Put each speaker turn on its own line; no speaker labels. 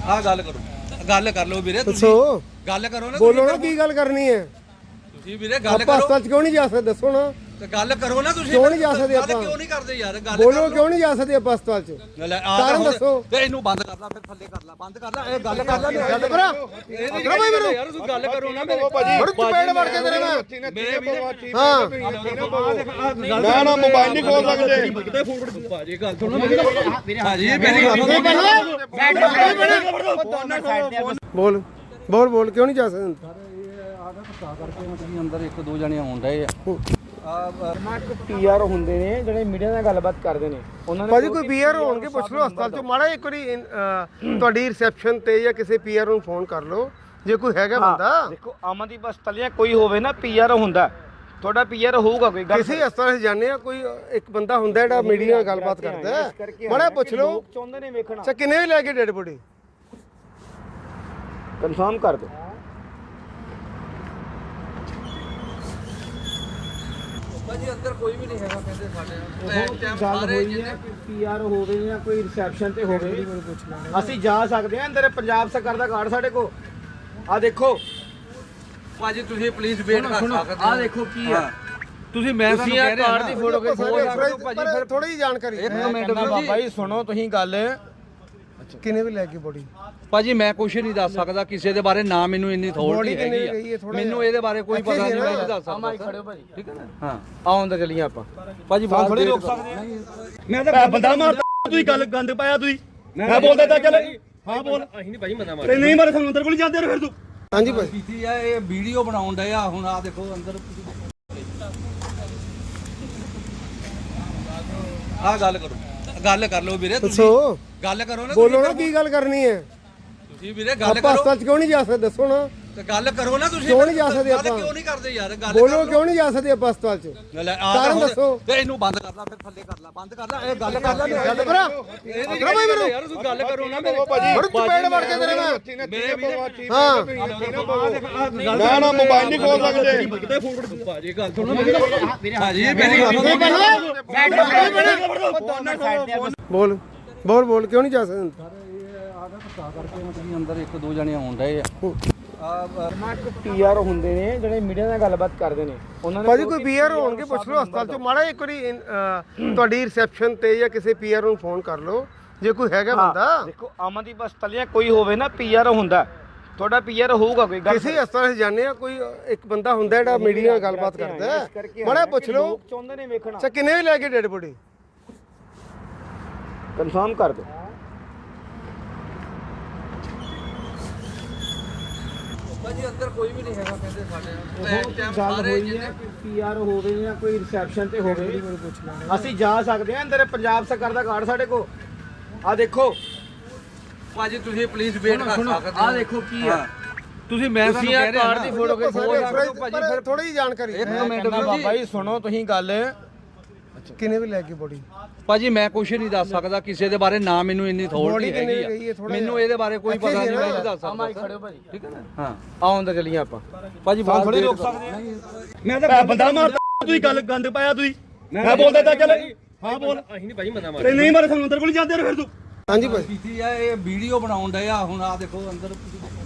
ਆ ਗੱਲ ਕਰੋ, ਗੱਲ ਕਰ ਲਓ ਵੀਰੇ, ਤੁਸੀਂ
ਦੱਸੋ
ਗੱਲ ਕਰੋ ਨਾ,
ਬੋਲੋ ਨਾ ਕੀ ਗੱਲ ਕਰਨੀ ਹੈ।
ਤੁਸੀਂ ਵੀਰੇ ਗੱਲ
ਆਪਾਂ
ਕਰੋ
ਹਸਪਤਾਲ ਚ ਕਿਉਂ ਨਹੀਂ ਜਾ ਸਕਦੇ ਦੱਸੋ ਨਾ।
ਤੇ ਗੱਲ ਕਰੋ ਨਾ, ਤੁਸੀਂ
ਕਿਉਂ ਨਹੀਂ ਜਾ ਸਕਦੇ
ਗੱਲ
ਆਪਾਂ?
ਕਿਉਂ ਨਹੀਂ ਕਰਦੇ ਯਾਰ? ਗੱਲ
ਬੋਲੋ ਕਿਉਂ ਨਹੀਂ ਜਾ ਸਕਦੇ ਆਪਾਂ ਹਸਪਤਾਲ ਚ?
ਲੈ
ਕਾਰਨ ਦੱਸੋ।
ਤੇ ਇਹਨੂੰ ਬੰਦ ਕਰ ਲਾ, ਫਿਰ ਥੱਲੇ ਕਰ ਲਾ, ਬੰਦ ਕਰ ਲਾ, ਇਹ ਗੱਲ ਕਰ ਲਾ,
ਗੱਲ ਕਰਾ
ਅਕਰਾ ਭਾਈ ਮੈਨੂੰ ਯਾਰ, ਤੂੰ ਗੱਲ ਕਰੋ ਨਾ ਮੇਰੇ
ਬੜੀ ਚਪੇੜ ਵੜ ਕੇ ਤੇਰੇ ਮੈਂ
ਮੇਰੇ ਵੀਰੇ।
ਹਾਂ
ਨਾ ਨਾ ਮੋਬਾਈਲ ਨਹੀਂ ਖੋਲ ਸਕਦੇ।
ਕਿਤੇ ਫੋਨ ਭਾਜੀ ਗੱਲ ਸੁਣੋ ਮੇਰੀ, ਭਾਜੀ ਮੇਰੀ ਗੱਲ
ਬੋਲ ਬੋਲ ਬੋਲ ਕਿਉਂ ਨਹੀਂ ਜਾ ਸਕਦੇ?
ਕਰਕੇ ਅੰਦਰ ਇੱਕ ਦੋ ਜਣੇ ਆਉਣ ਡਏ ਆ।
ਪੀਆਰ ਹੁੰਦੇ ਨੇ ਜਿਹੜੇ ਮੀਡੀਆ ਨਾਲ ਗੱਲਬਾਤ ਕਰਦੇ ਨੇ, ਉਹਨਾਂ ਨੇ
ਭਾਜੀ ਕੋਈ ਪੀਆਰ ਹੋਣਗੇ ਪੁੱਛ ਲਓ ਹਸਪਤਾਲ ਚ ਮਾੜਾ ਇੱਕ ਵਾਰੀ ਤੁਹਾਡੀ ਰਿਸੈਪਸ਼ਨ ਤੇ ਜਾਂ ਕਿਸੇ ਪੀਆਰ ਨੂੰ ਫੋਨ ਕਰ ਲਓ ਜੇ ਕੋਈ ਹੈਗਾ ਬੰਦਾ।
ਦੇਖੋ ਅਮਨਦੀਪ ਹਸਪਤਾਲ ਜਾਂ ਕੋਈ ਹੋਵੇ ਨਾ ਪੀਆਰ ਹੁੰਦਾ, ਤੁਹਾਡਾ ਪੀਆਰ ਹੋਊਗਾ ਕੋਈ ਗੱਲ।
ਕਿਸੇ ਹਸਪਤਾਲ 'ਚ ਜਾਂਦੇ ਆ ਕੋਈ ਇੱਕ ਬੰਦਾ ਹੁੰਦਾ ਜਿਹੜਾ ਮੀਡੀਆ ਨਾਲ ਗੱਲਬਾਤ ਕਰਦਾ ਹੈ, ਮਾੜਾ ਪੁੱਛ ਲਓ।
ਲੋਕ ਚਾਹੁੰਦੇ ਨੇ ਵੇਖਣਾ।
ਅੱਛਾ ਕਿੰਨੇ ਵੀ ਲੈ ਕੇ ਡੈਡ ਬੋਡੀ
ਕਨਫਰਮ ਕਰ ਦਿਓ।
ਭਾਜੀ ਅੰਦਰ ਕੋਈ ਵੀ ਨਹੀਂ ਹੈਗਾ, ਕਹਿੰਦੇ ਸਾਡੇ
ਗੱਲ ਹੋਈ ਹੈ ਪੀਆਰ ਹੋਵੇ ਜਾਂ ਕੋਈ ਰਿਸੈਪਸ਼ਨ ਤੇ ਹੋਵੇ, ਅਸੀਂ ਜਾ ਸਕਦੇ ਹਾਂ ਅੰਦਰ। ਪੰਜਾਬ ਸਰਕਾਰ ਦਾ ਕਾਰਡ ਸਾਡੇ ਕੋਲ ਆ ਦੇਖੋ।
ਭਾਜੀ ਤੁਸੀਂ ਪਲੀਜ਼ ਵੇਟ ਕਰ ਸਕਦੇ ਹੋ।
ਆ ਦੇਖੋ ਕੀ ਆ,
ਤੁਸੀਂ ਮੈਂ ਤੁਹਾਨੂੰ ਕਹਿ ਰਿਹਾ
ਕਾਰਡ ਦੀ ਫੋਟੋ ਕੇ
ਪਰ ਥੋੜੀ ਜਿਹੀ ਜਾਣਕਾਰੀ
ਇੱਕ ਮਿੰਟ
ਬਾਬਾ ਜੀ ਸੁਣੋ ਤੁਸੀਂ ਗੱਲ।
ਕਿੰਨੇ ਵੀ ਲੈ ਕੇ ਬੋਡੀ
ਭਾਜੀ ਮੈਂ ਕੁਝ ਨਹੀਂ ਦੱਸ ਸਕਦਾ ਕਿਸੇ ਦੇ ਬਾਰੇ, ਨਾ ਮੈਨੂੰ ਇੰਨੀ ਥੋੜੀ ਹੈਗੀ ਆ, ਮੈਨੂੰ ਇਹਦੇ ਬਾਰੇ ਕੋਈ ਪਤਾ ਨਹੀਂ, ਮੈਂ ਨਹੀਂ ਦੱਸ ਸਕਦਾ।
ਖੜਿਓ ਭਾਜੀ,
ਠੀਕ ਹੈ ਨਾ? ਹਾਂ
ਆਉਣ ਦਾ ਚੱਲੀਏ ਆਪਾਂ।
ਭਾਜੀ
ਬਾਹਰ ਥੋੜੀ ਰੋਕ ਸਕਦੇ ਆ। ਮੈਂ ਤਾਂ ਬੰਦਾ ਮਾਰਦਾ, ਤੁਸੀਂ ਗੱਲ ਗੰਦ ਪਾਇਆ ਤੁਸੀਂ। ਮੈਂ ਬੋਲਦਾ ਤਾਂ ਚੱਲ ਹਾਂ ਬੋਲ। ਅਸੀਂ ਨਹੀਂ ਭਾਈ ਮਨਾ ਮਾਰ ਨਹੀਂ ਮਾਰੇ, ਸਾਨੂੰ ਅੰਦਰ ਕੋਲ ਜਾਂਦੇ ਫਿਰ ਤੂੰ।
ਹਾਂਜੀ ਭਾਈ
ਕੀਤੀ ਆ, ਇਹ ਵੀਡੀਓ ਬਣਾਉਣ ਡਏ ਆ ਹੁਣ। ਆ ਦੇਖੋ ਅੰਦਰ ਆ ਗੱਲ ਕਰੋ, ਗੱਲ ਕਰ ਲਓ ਵੀਰੇ, ਤੁਸੀਂ
ਦੱਸੋ
ਗੱਲ ਕਰੋ ਨਾ,
ਬੋਲੋ ਨਾ ਕੀ ਗੱਲ ਕਰਨੀ ਹੈ।
ਤੁਸੀਂ ਵੀਰੇ ਗੱਲ
ਆਪਾਂ
ਕਰੋ
ਹਸਪਤਾਲ 'ਚ ਕਿਉਂ ਨਹੀਂ ਜਾ ਸਕਦੇ ਦੱਸੋ ਨਾ।
ਤੇ ਗੱਲ ਕਰੋ ਨਾ, ਤੁਸੀਂ
ਕਿਉਂ ਨਹੀਂ ਜਾ ਸਕਦੇ
ਗੱਲ
ਆਪਾਂ?
ਕਿਉਂ ਨਹੀਂ ਕਰਦੇ ਯਾਰ? ਗੱਲ
ਬੋਲੋ ਕਿਉਂ ਨਹੀਂ ਜਾ ਸਕਦੇ ਆਪਾਂ ਹਸਪਤਾਲ 'ਚ?
ਲੈ
ਕਾਰਨ ਦੱਸੋ।
ਤੇ ਇਹਨੂੰ ਬੰਦ ਕਰ ਲਾ, ਫਿਰ ਥੱਲੇ ਕਰ ਲਾ, ਬੰਦ ਕਰ ਲਾ, ਇਹ ਗੱਲ ਕਰ ਲਾ,
ਗੱਲ ਕਰਾ ਅਕਰਾ ਭਾਈ ਮੈਨੂੰ
ਯਾਰ, ਤੂੰ ਗੱਲ ਕਰੋ ਨਾ ਮੇਰੇ
ਬੜੀ ਚਪੇੜ ਵੜ ਕੇ ਤੇਰੇ ਮੈਂ
ਮੇਰੇ ਵੀਰੇ।
ਹਾਂ
ਨਾ ਨਾ ਮੋਬਾਈਲ ਨਹੀਂ ਖੋਲ ਸਕਦੇ।
ਕਿਤੇ ਫੋਨ ਭਾਜੀ ਗੱਲ ਸੁਣੋ ਮੇਰੀ, ਭਾਜੀ ਮੇਰੀ ਗੱਲ
ਬੋਲ ਬੋਲ ਬੋਲ ਕਿਉਂ ਨਹੀਂ ਜਾ ਸਕਦੇ?
ਕਰਕੇ ਅੰਦਰ ਇੱਕ ਦੋ ਜਣੇ ਆਉਣ ਡਏ ਆ।
ਪੀਆਰ ਹੁੰਦੇ ਨੇ ਜਿਹੜੇ ਮੀਡੀਆ ਨਾਲ ਗੱਲਬਾਤ ਕਰਦੇ ਨੇ, ਉਹਨਾਂ ਨੇ
ਭਾਜੀ ਕੋਈ ਪੀਆਰ ਹੋਣਗੇ ਪੁੱਛ ਲਓ ਹਸਪਤਾਲ 'ਚ ਮਾੜਾ ਇੱਕ ਵਾਰੀ ਤੁਹਾਡੀ ਰਿਸੈਪਸ਼ਨ ਤੇ ਜਾਂ ਕਿਸੇ ਪੀਆਰ ਨੂੰ ਫੋਨ ਕਰ ਲਓ ਜੇ ਕੋਈ ਹੈਗਾ ਬੰਦਾ।
ਦੇਖੋ ਅਮਨਦੀਪ ਹਸਪਤਾਲ ਜਾਂ ਕੋਈ ਹੋਵੇ ਨਾ ਪੀਆਰ ਹੁੰਦਾ, ਤੁਹਾਡਾ ਪੀਆਰ ਹੋਊਗਾ ਕੋਈ ਗੱਲ।
ਕਿਸੇ ਹਸਪਤਾਲ 'ਚ ਜਾਂਦੇ ਆ ਕੋਈ ਇੱਕ ਬੰਦਾ ਹੁੰਦਾ ਜਿਹੜਾ ਮੀਡੀਆ ਨਾਲ ਗੱਲਬਾਤ ਕਰਦਾ ਹੈ, ਮਾੜਾ ਪੁੱਛ ਲਓ।
ਲੋਕ ਚਾਹੁੰਦੇ ਨੇ ਵੇਖਣਾ।
ਅੱਛਾ ਕਿੰਨੇ ਵੀ ਲੈ ਕੇ ਡੈਡ ਬੋਡੀ
ਕਨਫਰਮ ਕਰ ਦਿਓ।
ਭਾਜੀ ਅੰਦਰ ਕੋਈ ਵੀ ਨਹੀਂ ਹੈਗਾ, ਕਹਿੰਦੇ ਸਾਡੇ
ਗੱਲ ਹੋਈ ਹੈ ਪੀਆਰ ਹੋਵੇ ਜਾਂ ਕੋਈ ਰਿਸੈਪਸ਼ਨ ਤੇ ਹੋਵੇ, ਅਸੀਂ ਜਾ ਸਕਦੇ ਹਾਂ ਅੰਦਰ। ਪੰਜਾਬ ਸਰਕਾਰ ਦਾ ਕਾਰਡ ਸਾਡੇ ਕੋਲ ਆ ਦੇਖੋ।
ਭਾਜੀ ਤੁਸੀਂ ਪਲੀਜ਼ ਵੇਟ ਕਰ ਸਕਦੇ ਹੋ।
ਆ ਦੇਖੋ ਕੀ ਆ,
ਤੁਸੀਂ ਮੈਂ ਤੁਹਾਨੂੰ ਕਹਿ ਰਿਹਾ
ਕਾਰਡ ਦੀ ਫੋਟੋ ਕੇ
ਪਰ ਥੋੜੀ ਜਿਹੀ ਜਾਣਕਾਰੀ
ਇੱਕ ਮਿੰਟ
ਬਾਬਾ ਜੀ ਸੁਣੋ ਤੁਸੀਂ ਗੱਲ।
ਕਿੰਨੇ ਵੀ ਲੈ ਕੇ ਬੋਡੀ
ਭਾਜੀ ਮੈਂ ਕੁਝ ਨਹੀਂ ਦੱਸ ਸਕਦਾ ਕਿਸੇ ਦੇ ਬਾਰੇ, ਨਾ ਮੈਨੂੰ ਇੰਨੀ ਥੋੜੀ ਹੈਗੀ ਆ, ਮੈਨੂੰ ਇਹਦੇ ਬਾਰੇ ਕੋਈ ਪਤਾ ਨਹੀਂ, ਮੈਂ ਨਹੀਂ ਦੱਸ ਸਕਦਾ।
ਖੜਿਓ ਭਾਜੀ,
ਠੀਕ ਹੈ ਨਾ? ਹਾਂ
ਆਉਣ ਦਾ ਚੱਲੀਏ ਆਪਾਂ।
ਭਾਜੀ
ਬਾਹਰ ਥੋੜੀ ਰੋਕ ਸਕਦੇ ਆ। ਮੈਂ ਤਾਂ ਬੰਦਾ ਮਾਰਦਾ, ਤੁਸੀਂ ਗੱਲ ਗੰਦ ਪਾਇਆ ਤੁਸੀਂ। ਮੈਂ ਬੋਲਦਾ ਤਾਂ ਚੱਲ ਹਾਂ ਬੋਲ। ਅਸੀਂ ਨਹੀਂ ਭਾਈ ਮਨਾ ਮਾਰ ਨਹੀਂ ਮਾਰੇ, ਸਾਨੂੰ ਅੰਦਰ ਕੋਲ ਜਾਂਦੇ ਫਿਰ ਤੂੰ।
ਹਾਂਜੀ ਭਾਈ
ਕੀਤੀ ਆ, ਇਹ ਵੀਡੀਓ ਬਣਾਉਣ ਡਏ ਆ ਹੁਣ। ਆ ਦੇਖੋ ਅੰਦਰ